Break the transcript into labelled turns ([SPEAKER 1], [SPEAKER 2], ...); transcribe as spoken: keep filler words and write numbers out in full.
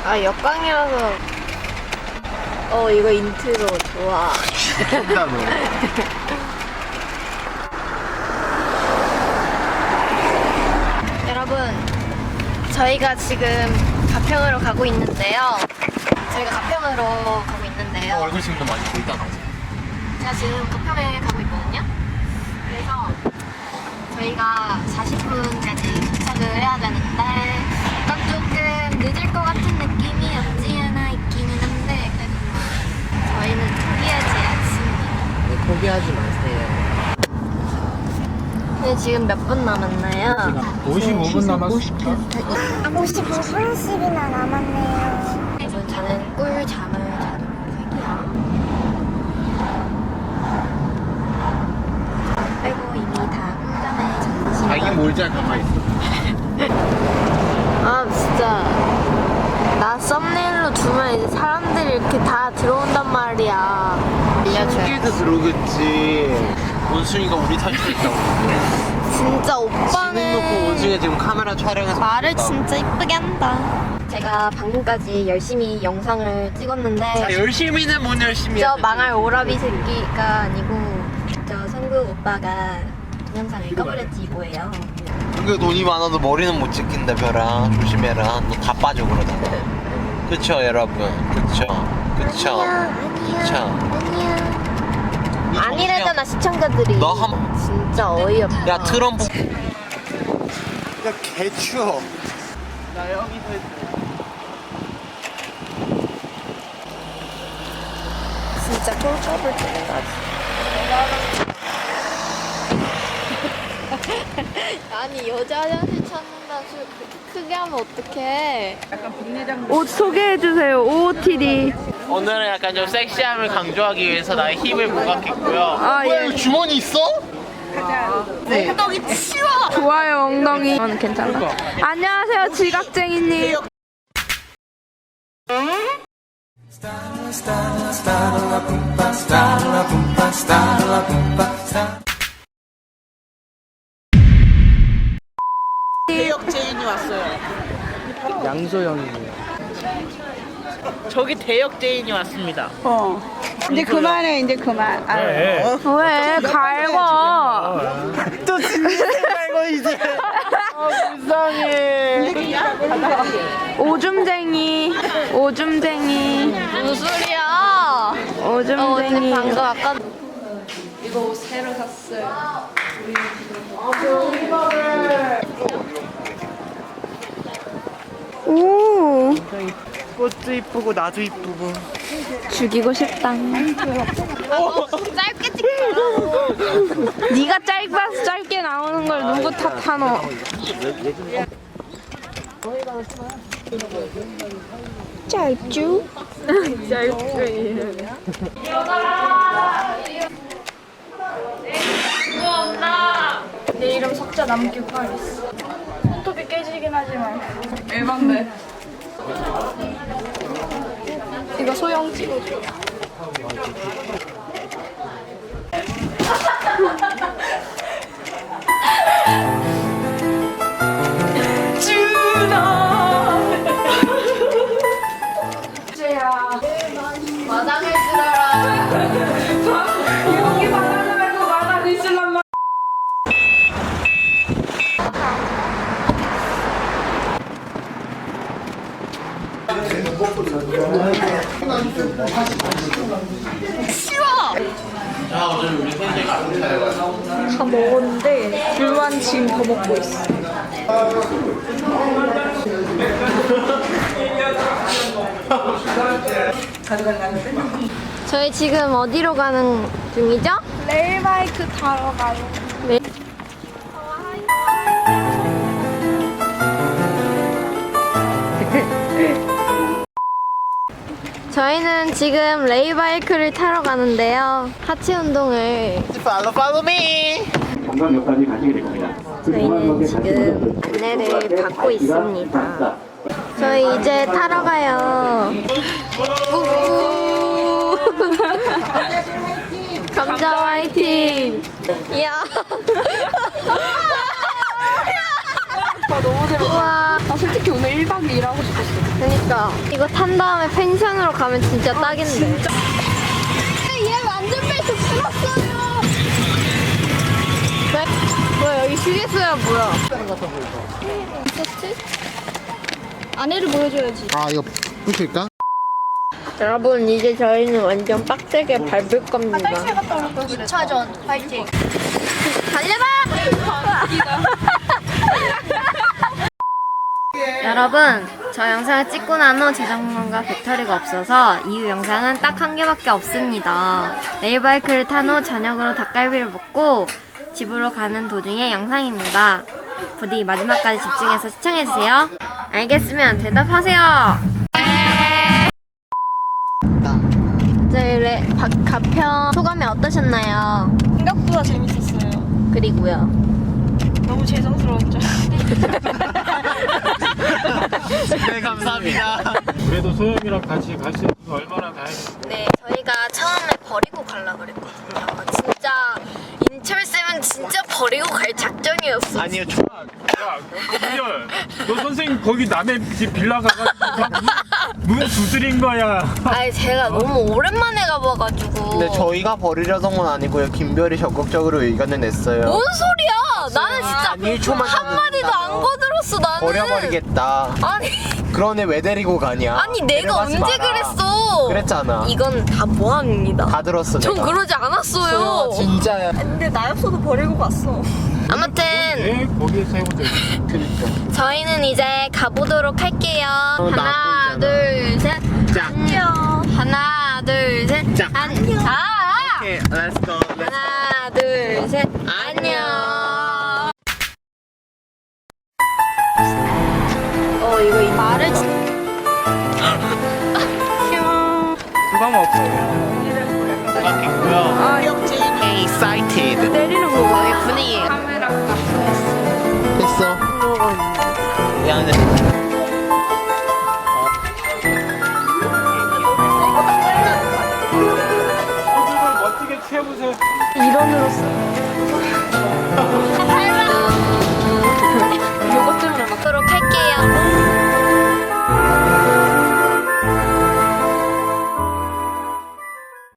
[SPEAKER 1] 아, 역광이라서. 어, 이거 인트로 좋아.
[SPEAKER 2] 신나 너.
[SPEAKER 1] 여러분, 저희가 지금 가평으로 가고 있는데요. 저희가 가평으로 가고 있는데요.
[SPEAKER 2] 얼굴 지금도 많이 보이다.
[SPEAKER 1] 제가 지금 가평에 가고 있거든요. 그래서 저희가 사십 분까지 도착을 해야 되는데 약간 조금 늦을 것 같은 느낌이 없지 않아 있기는 한데 그래도 뭐 저희는 포기하지 않습니다.
[SPEAKER 2] 네, 포기하지 마세요.
[SPEAKER 1] 근데 지금 몇 분 남았나요?
[SPEAKER 2] 오십오 분 남았어.
[SPEAKER 1] 오십오 분씩이나 남았네요. 여러분, 저는 꿀잠을 자도록 할게요. 아이고, 이미 다 꿀잠에 잤습니다.
[SPEAKER 2] 자기 몰자 가만히 있어.
[SPEAKER 1] 아, 진짜 나 썸네일로 두면 이제 사람들이 이렇게 다 들어온단 말이야.
[SPEAKER 2] 신기해서 들어오겠지. 원숭이가 우리 탈출했다고.
[SPEAKER 1] 진짜
[SPEAKER 2] 지능 놓고
[SPEAKER 1] 오빠는
[SPEAKER 2] 원숭이가 지금 카메라 촬영해서
[SPEAKER 1] 말을
[SPEAKER 2] 찍었다.
[SPEAKER 1] 진짜 이쁘게 한다. 제가 방금까지 열심히 영상을 찍었는데
[SPEAKER 2] 자, 열심히는 뭔 열심히야.
[SPEAKER 1] 저 망할 오라비 새끼가 아니고 저 성국 오빠가 동영상을 꺼버렸지 뭐예요.
[SPEAKER 2] 그게 돈이 많아도 머리는 못 찍힌다 별아. 조심해라. 너 다 빠져 그러다. 그쵸 여러분. 그쵸. 그쵸. 그쵸.
[SPEAKER 1] 아니야. 아니래잖아 시청자들이.
[SPEAKER 2] 너 한-
[SPEAKER 1] 진짜 어이없다.
[SPEAKER 2] 야 트럼프. 야 개추워. 나 여기서 했어.
[SPEAKER 1] 진짜 꿀컵을 찍어가지. 아니 여자 화장실 찾는다 술 그렇게 크게 하면 어떡해. 옷 소개해주세요. 오오티디.
[SPEAKER 3] 오늘은 약간 좀 섹시함을 강조하기 위해서 나의 힙을 부각했고요.
[SPEAKER 1] 아 예.
[SPEAKER 2] 주머니 있어?
[SPEAKER 1] 엉덩이 치워.
[SPEAKER 4] 좋아요 엉덩이. 저는 괜찮아. 안녕하세요 지각쟁이님.
[SPEAKER 3] 대역 제인이 왔어요.
[SPEAKER 2] 양소영이에요.
[SPEAKER 3] 저기 대역 제인이 왔습니다.
[SPEAKER 4] 어. 이제 그만해 이제 그만. 아,
[SPEAKER 3] 네.
[SPEAKER 4] 왜 갈고?
[SPEAKER 3] 또 진짜 말고 이제. 아, 불쌍해.
[SPEAKER 4] 오줌쟁이. 오줌쟁이.
[SPEAKER 1] 무슨 소리야? 어,
[SPEAKER 4] 오줌쟁이.
[SPEAKER 1] 방금 아까
[SPEAKER 4] 이거 새로 샀어요. 오.
[SPEAKER 3] 꽃도 이쁘고 나도 이쁘고.
[SPEAKER 4] 죽이고 싶다.
[SPEAKER 1] 짧게 찍자.
[SPEAKER 4] 네가 짧아서 짧게 나오는 걸 누구 탓하노? 짧죠? 내 이름 석자 남기고 가겠어. 손톱이 깨지긴 하지만 일반데. 이거 소영 찍어줘.
[SPEAKER 1] 마당을 쓸어라.
[SPEAKER 4] 여기 말하지 말고 말하고 있을란 말.
[SPEAKER 3] 자, 오늘 우리 팬들과
[SPEAKER 4] 다 먹었는데 불만 지금 더 먹고 있어.
[SPEAKER 1] 저희 지금 어디로 가는 중이죠?
[SPEAKER 4] 레일바이크 타러 가요.
[SPEAKER 1] 네. 저희는 지금 레이바이크를 타러 가는데요. 하체 운동을
[SPEAKER 3] 팔로우 팔로우 미.
[SPEAKER 5] 관광역까지 가시게 될 겁니다.
[SPEAKER 1] 저희는 지금 안내를 받고 있습니다. 저희 이제 타러 가요. 우후. 감자 화이팅! 이야. 너무 재밌다. 우와.
[SPEAKER 4] 나 솔직히 오늘 일 박 이 일 하고 싶었어.
[SPEAKER 1] 그니까 이거 탄 다음에 펜션으로 가면 진짜 딱인데. 진짜. 얘 안전벨트 풀었어요. 왜? 뭐야 여기 휴게소야 뭐야? 있었지? 안에를 보여줘야지.
[SPEAKER 2] 아 이거 부실까?
[SPEAKER 1] 여러분 이제 저희는 완전 빡세게 밟을 겁니다.
[SPEAKER 4] 이 차전 파이팅.
[SPEAKER 1] 달려봐! 여러분, 저 영상을 찍고 난 후 재정전과 배터리가 없어서 이후 영상은 딱 한 개밖에 없습니다. 레일바이크를 탄 후 저녁으로 닭갈비를 먹고 집으로 가는 도중의 영상입니다. 부디 마지막까지 집중해서 시청해주세요. 알겠으면 대답하세요. 저희 레, 박, 가평 소감이 어떠셨나요?
[SPEAKER 4] 생각보다 재밌었어요.
[SPEAKER 1] 그리고요.
[SPEAKER 4] 너무 죄송스러웠죠.
[SPEAKER 2] 네 감사합니다.
[SPEAKER 5] 그래도 소영이랑 같이 갈 수 있는 거 얼마나 다행이야.
[SPEAKER 1] 네, 저희가 처음에 버리고 가려고 그랬거든요. 진짜 인철쌤은 진짜 버리고 갈 작전이었어.
[SPEAKER 2] 아니요 저
[SPEAKER 5] 야, 김열, 너 선생님 거기 남의 집 빌라 가가지고 문 두드린 거야.
[SPEAKER 1] 아니 제가 너무 오랜만에 가봐가지고.
[SPEAKER 2] 근데 저희가 버리려던 건 아니고요. 김별이 적극적으로 의견을 냈어요.
[SPEAKER 1] 뭔 소리야? 나는 진짜
[SPEAKER 2] 한 일 초만
[SPEAKER 1] 한마디도 안 거들었어 나는.
[SPEAKER 2] 버려버리겠다.
[SPEAKER 1] 아니
[SPEAKER 2] 그런 애 왜 데리고 가냐?
[SPEAKER 1] 아니 내가
[SPEAKER 2] 데려가지
[SPEAKER 1] 언제
[SPEAKER 2] 마라.
[SPEAKER 1] 그랬어?
[SPEAKER 2] 그랬잖아.
[SPEAKER 1] 이건 다 모함입니다.
[SPEAKER 2] 다 들었어
[SPEAKER 1] 전
[SPEAKER 2] 내가.
[SPEAKER 1] 그러지 않았어요.
[SPEAKER 2] 진짜야.
[SPEAKER 4] 근데 나였어도 버리고 갔어.
[SPEAKER 1] 아무튼
[SPEAKER 5] 네, 거기에서 해본 적 있어.
[SPEAKER 2] 그러니까.
[SPEAKER 1] 저희는 이제 가보도록 할게요.
[SPEAKER 2] 어, 나
[SPEAKER 1] 하나,
[SPEAKER 2] 보이잖아.
[SPEAKER 1] 둘, 셋.
[SPEAKER 2] 자.
[SPEAKER 1] 안녕. 하나, 둘, 셋.
[SPEAKER 2] 자.
[SPEAKER 1] 안녕. 아!
[SPEAKER 2] 오케이, let's go. Let's go.
[SPEAKER 1] 하나, 둘, 셋. 안녕. 어, 이거 이 말을 진
[SPEAKER 3] 그거 없어.
[SPEAKER 2] 바뀌고요.
[SPEAKER 4] 아, 역시.
[SPEAKER 2] Excited.
[SPEAKER 1] 때리는 거 봐. 이 분위기.
[SPEAKER 2] 됐어. 미안해.
[SPEAKER 5] 멋지게 취해보세요.
[SPEAKER 1] 일원으로서.